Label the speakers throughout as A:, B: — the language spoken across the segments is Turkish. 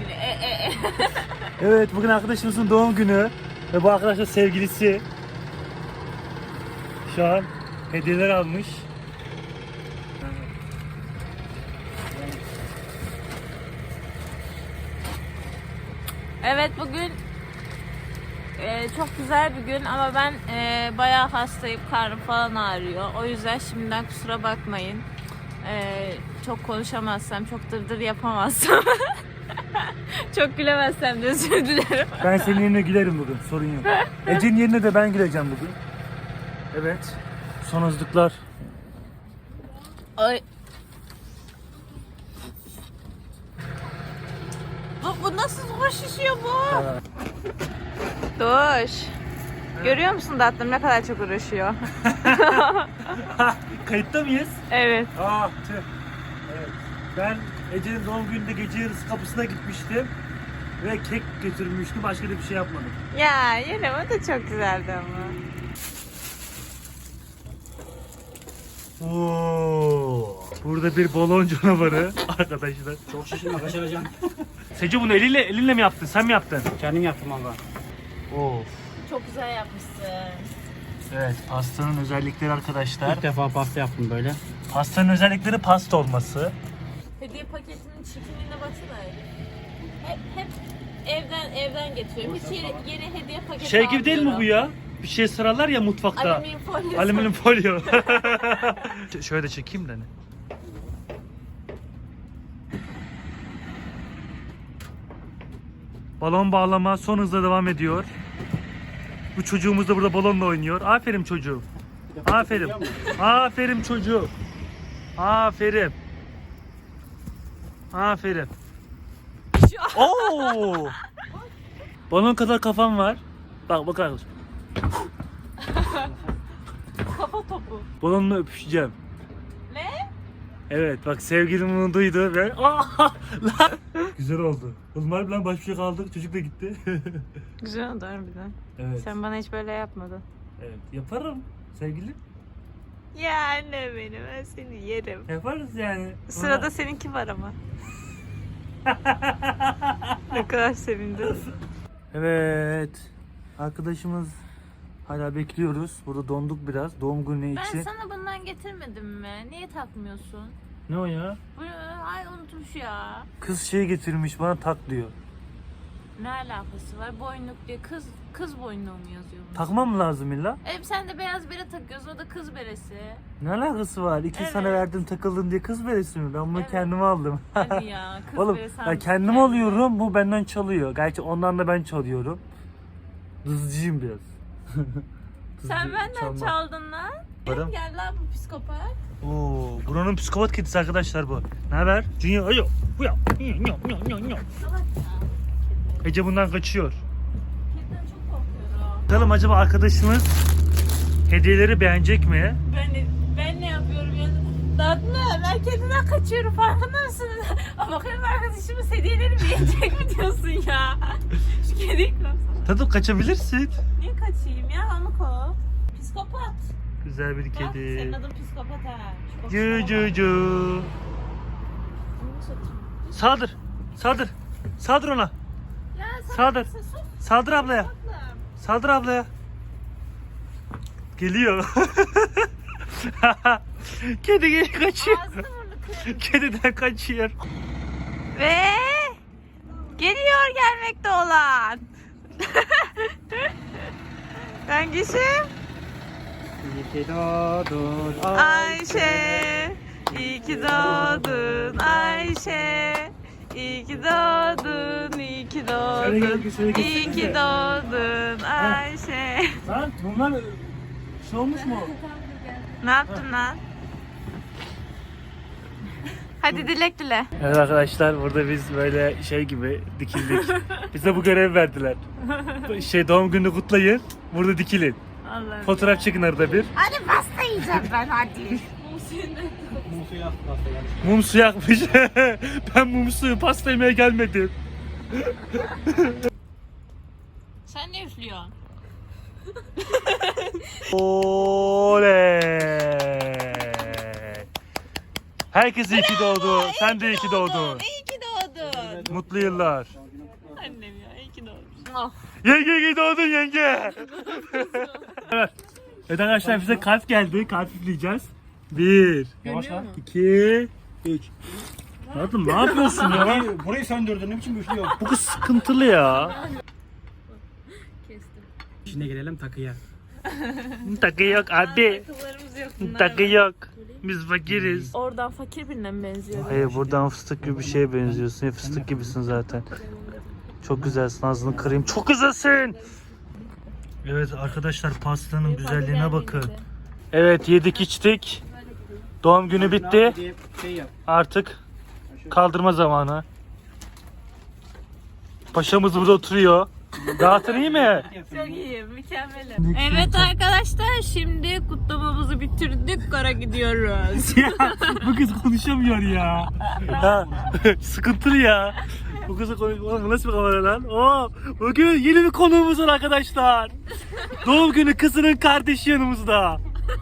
A: günü.
B: Evet, bugün arkadaşımızın doğum günü ve bu arkadaşlar sevgilisi şu an hediyeler almış.
A: Evet, bugün çok güzel bir gün ama ben bayağı hastayım, karnım falan ağrıyor. O yüzden şimdiden kusura bakmayın. Çok konuşamazsam, çok dırdır yapamazsam, çok gülemezsem de özür dilerim.
B: Ben senin yerine gülerim bugün, sorun yok. Ece'nin yerine de ben güleceğim bugün. Evet, son hızlıklar.
A: Ay. Bu nasıl hoş şişiyor bu?
B: Evet.
A: Doğuş. Görüyor musun tatlım ne kadar çok uğraşıyor?
B: Kayıtta mıyız?
A: Evet.
B: Tüh. Evet. Ben Ece'nin doğum gününde gece yarısı kapısına gitmiştim ve kek götürmüştüm. Başka da bir şey yapmadım.
A: Ya yine o da çok güzeldi ama.
B: Oo. Burada bir balon canavarı arkadaşlar.
C: Çok şişirme kaçıracağım.
B: Sece bunu elinle mi yaptın? Sen mi yaptın?
C: Kendim yaptım valla.
B: Of.
A: Çok güzel yapmışsın.
B: Evet, pastanın özellikleri arkadaşlar.
C: İlk defa pasta yaptım böyle.
B: Pastanın özellikleri pasta olması.
A: Hediye paketinin çirkinliğine baksana. Hep evden getiriyorum. Hiç yeni hediye paketi
B: Şey gibi değil mi bu
A: almıyorum.
B: ya? Bir şey sıralar ya mutfakta.
A: Alüminyum folyo.
B: Alüminyum folyo. Şöyle de çekeyim de hani. Balon bağlama son hızla devam ediyor. Bu çocuğumuz da burada balonla oynuyor. Aferin çocuğum. Aferin. Aferin çocuğum. Aferin. Aferin. Oo! Balon kadar kafam var. Bak bakar mısın?
A: Kafa topu.
B: Balonla öpüşeceğim.
A: Ne?
B: Evet bak sevgilim bunu duydu ve lan. Güzel oldu. Oğlum harbiden baş başa kaldık. Çocuk da gitti.
A: Güzel oldu harbiden.
B: Evet.
A: Sen bana hiç böyle yapmadın.
B: Evet. Yaparım sevgilim.
A: Ya anne benim, ben seni yerim.
B: Yaparız yani.
A: Sırada seninki var ama. Ne kadar sevindim.
B: Evet. Arkadaşımız hala bekliyoruz. Burada donduk biraz. Doğum günü
A: Ben
B: için.
A: sana bundan getirmedim mi? Niye takmıyorsun?
B: Ne o ya?
A: Bu ay unutmuş ya.
B: Kız şey getirmiş bana tak diyor.
A: Ne alakası var? Boynluk diye kız boynluğu mu yazıyor bunu?
B: Takmam mı lazım illa?
A: Sen de beyaz bere takıyorsun, o da kız beresi.
B: Ne alakası var? İki
A: Evet.
B: sana verdim takıldın diye kız beresi mi? Ben bunu
A: Evet.
B: kendime aldım.
A: Hadi ya, kız
B: Oğlum
A: beresi.
B: ben
A: almış
B: kendim
A: kendine.
B: alıyorum, bu benden çalıyor. Gerçi ondan da ben çalıyorum. Dızcıyım biraz.
A: Sen
B: Dızcı,
A: benden
B: çalma.
A: çaldın lan.
B: Varım.
A: Gel lan bu psikopat.
B: Oo, buranın psikopat kedisi arkadaşlar bu. Ne haber? Junior, ayo. Bu ya.
A: Salak ya.
B: Ece bundan kaçıyor.
A: Kediden çok korkuyorum.
B: Bakalım acaba arkadaşımız hediyeleri beğenecek mi?
A: Ben ne yapıyorum ya? Tatlı, ben kediden kaçıyorum, farkında mısın? Ama bakayım arkadaşımız hediyeleri beğenecek mi diyorsun ya? Şu kediyi kovsana.
B: Tadım kaçabilirsin.
A: Niye kaçayım ya? Onu kov. Psikopat.
B: Güzel bir
A: Bak, senin
B: kedi.
A: adın psikopat ha. Şu
B: Cu
A: kokusuna
B: cu
A: bak.
B: cu.
A: Bunu satayım.
B: Saldır. Saldır. Saldır ona.
A: Ya sen
B: Saldır.
A: sus.
B: Saldır ablaya.
A: Tatlım.
B: Saldır ablaya. Geliyor. Kedi geri kaçıyor.
A: Ağzını burnunu kırarım.
B: Kediden kaçıyor.
A: Ve geliyor gelmekte olan. Hangisi?
C: İyi ki doğdun
A: Ayşe. İyi ki doğdun Ayşe. İyi ki doğdun, iyi ki
B: Şöyle gel,
A: doğdun.
B: şöyle gel,
A: İyi ki
B: gel.
A: doğdun Ayşe.
B: Lan bunlar şey olmuş mu?
A: Ne yaptın lan? Hadi dilek dile.
B: Evet arkadaşlar burada biz böyle şey gibi dikildik. Bize bu görev verdiler. Doğum gününü kutlayın. Burada dikilin.
A: Allah'ım.
B: Fotoğraf çekin arada bir.
A: Hadi pasta yiyeceğim ben hadi.
C: Musu yap pasta yani.
B: Mum su yakmış. Ben mum suyu pasta yemeye gelmedim.
A: Sen ne üflüyorsun?
B: Oley. Herkes iyi ki doğdu. Sen de iyi ki doğdun.
A: İyi ki doğdun.
B: Mutlu yıllar.
A: Annem ya iyi ki doğmuş. Ah.
B: Yenge iyi doğdun yenge. Evet. Evet arkadaşlar bize kalp geldi. Kalp üfleyeceğiz. 1,
C: Yavaş lan.
B: 2, 3. Tatlım ne yapıyorsun ya?
C: Burayı söndürdün. Ne biçim güçlü yok.
B: Bu kız sıkıntılı ya.
A: Kestim.
C: Şimdi gelelim takıya.
B: Takı yok abi.
A: Takılarımız yok. bunlar
B: Takı
A: var.
B: yok. Biz fakiriz.
A: Oradan fakir birine mi benziyor?
B: Hayır buradan fıstık gibi bir şeye benziyorsun. Ya fıstık gibisin zaten. Çok güzelsin, ağzını kırayım. Çok güzelsin. Evet arkadaşlar pastanın güzelliğine bakın. Evet yedik içtik. Doğum günü bitti.
C: Şey yap.
B: Artık kaldırma zamanı. Paşamız burada oturuyor. Rahatın iyi mi?
A: Çok iyi, mükemmelim. Evet arkadaşlar şimdi kutlamamızı bitirdik, kara gidiyoruz.
B: Bu kız konuşamıyor ya. Ha, sıkıntılı ya. Bu kızı konuşamıyor. Bu nasıl bir kamera lan? Oo, bugün yeni bir konuğumuz var arkadaşlar. Doğum günü kızının kardeşi yanımızda.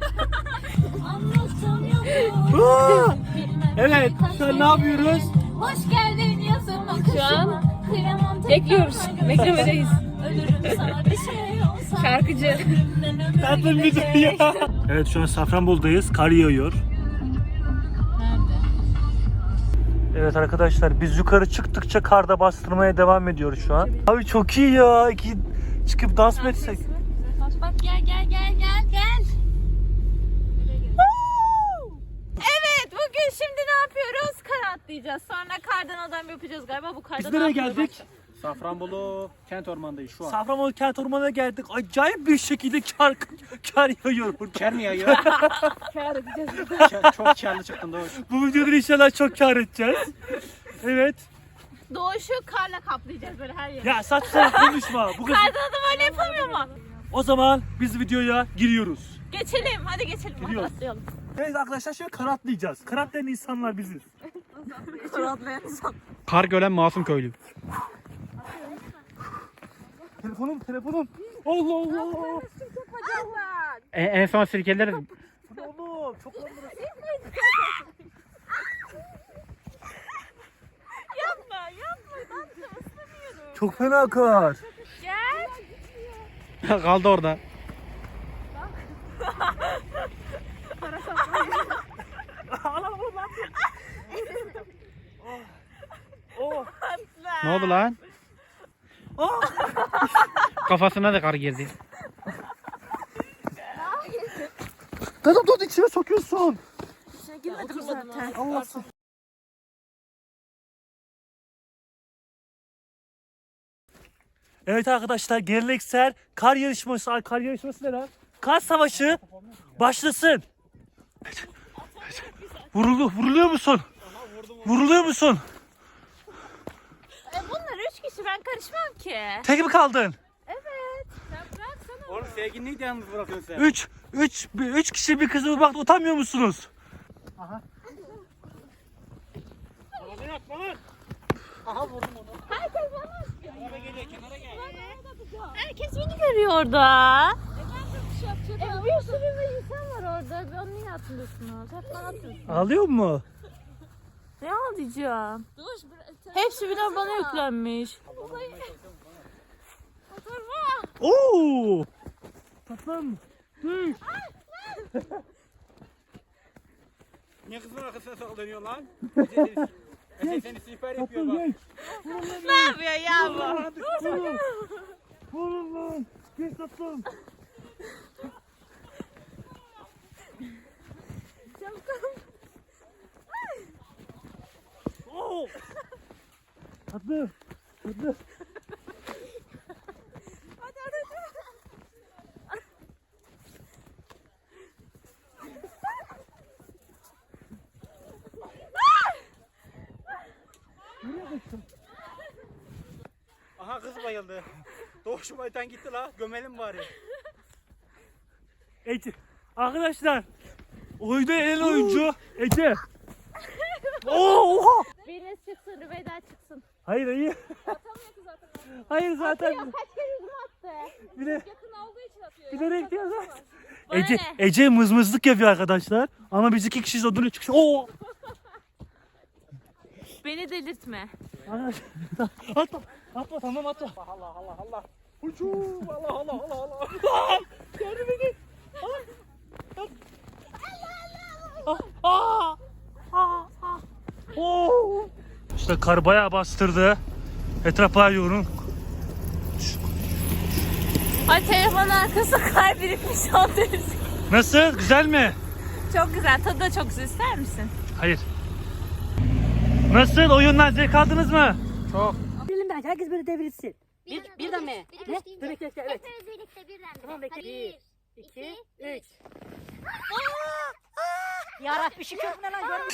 B: Oo, evet, şu an ne yapıyoruz?
D: Hoş geldin yazın
A: Şu an
D: kıyamam
A: bekliyoruz, beklemedeyiz.
D: ölürüm sana bir şey olsa.
A: Şarkıcı.
B: Tatlım bir dur ya. Evet şu an Safranbolu'dayız. Kar yağıyor.
A: Nerede?
B: Evet arkadaşlar biz yukarı çıktıkça karda bastırmaya devam ediyoruz şu an. Abi çok iyi ya. Çıkıp dans mı etsek?
D: Bak gel gel gel gel gel.
A: Evet bugün şimdi ne yapıyoruz? Kar atlayacağız. Sonra kardan adam yapacağız galiba. Bu kardan
B: Biz nereye geldik?
C: Safranbolu kent ormanındayız şu an.
B: Safranbolu kent ormanına geldik. Acayip bir şekilde kar yağıyor burada.
C: Ker mi yayıyor?
A: Kar edeceğiz.
C: Çok karlı çıktın Doğuş.
B: Bu videoda inşallah çok kar edeceğiz. Evet.
A: Doğuşu karla kaplayacağız böyle her yeri.
B: Ya saçma konuşma. Bu kız...
A: Kardan adam öyle yapamıyor mu?
B: O zaman biz videoya giriyoruz.
A: Geçelim hadi geçelim. Hadi
B: Gidiyoruz.
A: atlayalım.
B: Evet arkadaşlar şimdi kar atlayacağız. Kar atlayan insanlar biziz.
A: Kar atlayan insan.
C: Kar gören masum köylü.
B: Telefonum. Allah Allah.
C: En son sirkeleri
B: Oğlum çok
A: Yapma ben de ıslanıyorum.
B: Çok fena kar.
A: Gel.
C: kaldı orada.
B: Oh.
C: Ne oldu lan? Kafasına da kar girdi.
B: Dur içime sokuyorsun.
A: Girmedim zaten.
B: Allah'ım. Evet arkadaşlar geleneksel kar yarışması ne lan? Kar savaşı başlasın. Vuruluyor musun? Vuruluyor musun?
A: Bunlar 3 kişi ben karışmam ki.
B: Tek mi kaldın?
A: Evet. Sen bıraksana.
C: Oğlum sevgilini de yalnız bırakıyorsun sen.
B: 3 kişi bir kızı vurmakta utanmıyor musunuz?
C: Aha vurdum onu.
A: Herkes bana
C: Kenara geliyor, kenara gel.
A: Herkes beni görüyor orada.
D: Bir sürü insan var orada. Onu niye atmıyorsunuz? Hep bana atıyorsunuz.
B: Ağlıyor mu?
A: Ne alacağım? Hepsi birden bana yüklenmiş.
B: Oo! Tatlım. Dur.
C: Niye kızın arkasına saklanıyor lan? Seni siper yapıyor
B: Tatlım
C: bak.
B: gel.
A: Ne yapıyor ya bu?
B: Oğlum lan. Gel tatlım. Oo! Tatlım.
C: Aha kız bayıldı. Doğuş baytan gitti la. Gömelim bari.
B: Ece. Arkadaşlar. Oyunda en oyuncu Ece. Oha!
D: Biriniz çıksın, Rüveyda çıksın.
B: Hayır. Hayır zaten.
D: Kaç kere yüzüme attı.
B: Bir de
D: Yakın olduğu için atıyor.
B: bilerek diyor zaten.
A: Bana
B: Ece,
A: ne?
B: Ece mızmızlık yapıyor arkadaşlar. Ama biz 2 kişiyiz o duruyor çıkış. Oo!
A: Beni delirtme.
B: Atla. Atla tamam atla.
C: Allah Allah Allah. Uçuğum. Allah Allah Allah Allah.
B: Gördün beni. İşte kar bayağı bastırdı. Etraf bayağı yoğun.
A: Ay telefonun arkasında kar birikmiş oldu.
B: Nasıl? Güzel mi?
A: Çok güzel. Tadı da çok güzel. İster misin?
B: Hayır. Nasıl? Oyundan zevk aldınız mı?
C: Çok.
E: Bilelim bence herkes böyle devrilsin. Birden mi?
D: Bir
E: Ne?
D: üstü.
E: Dur bekle evet.
D: Hepimiz birlikte birden.
E: Tamam, bekle.
D: Hadi,
E: 1, 2, 3.
D: 3.
E: Yarabbi şükür bu ne lan görmüş.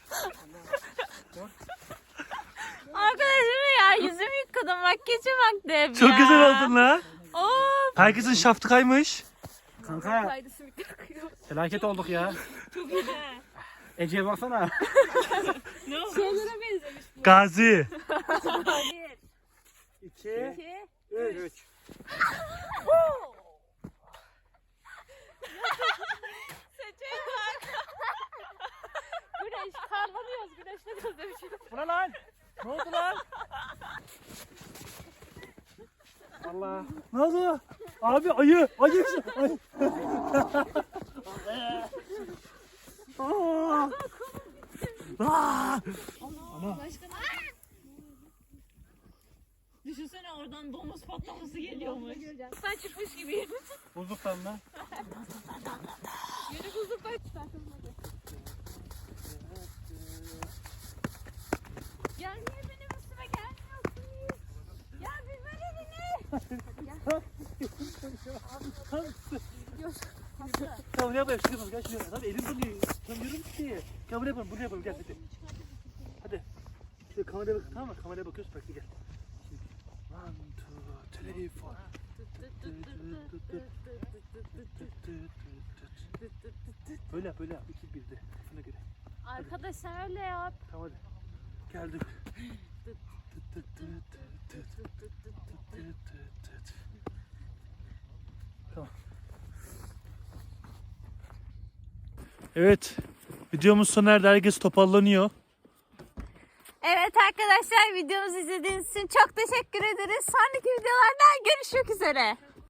A: Arkadaşım ya yüzümü yıkadım. Makyajı bak Dev
B: Çok
A: ya.
B: güzel oldun lan.
A: Oo.
B: Herkesin şaftı kaymış.
C: Kanka. Felaket olduk ya. Ece'ye baksana.
A: Şeylere benzemiş.
B: Gazi.
C: 2,
E: 2,
C: 3.
A: Seçelim bak. Güneş karlanıyoruz. Güneşle demişim.
B: Bu ne lan? Ne oldu lan?
C: Allah.
B: Ne oldu? Abi ayı. Ayı. Ayı. Aa! Aa!
A: Düşünsene oradan domuz patlaması geliyormuş. Sen çıkmış gibiyim.
B: Buzluktan mı?
A: Yeni buzluklar çıkartalım hadi. Ya niye benim üstüme gelmiyorsunuz? Ya bir verin.
B: Tamam ne yapalım? Çıkalım. Gel şuraya. Hadi elim donuyor. Tutamıyorum ki. Gel buraya yapalım. Buraya yapalım. Gel hadi. Hadi. Şöyle kameraya bak. Tamam mı? Kameraya bakıyoruz. Bak gel. Şimdi. 1, 2, 3, 4. Böyle yap. Böyle yap. 2, 1'de. Şuna göre.
A: Arkadaşlar öyle yap.
B: Tamam hadi. Geldim. Tamam. Evet. Videomuz sona erdi. Herkes toparlanıyor.
A: Evet arkadaşlar videomuzu izlediğiniz için çok teşekkür ederiz. Sonraki videolarda görüşmek üzere.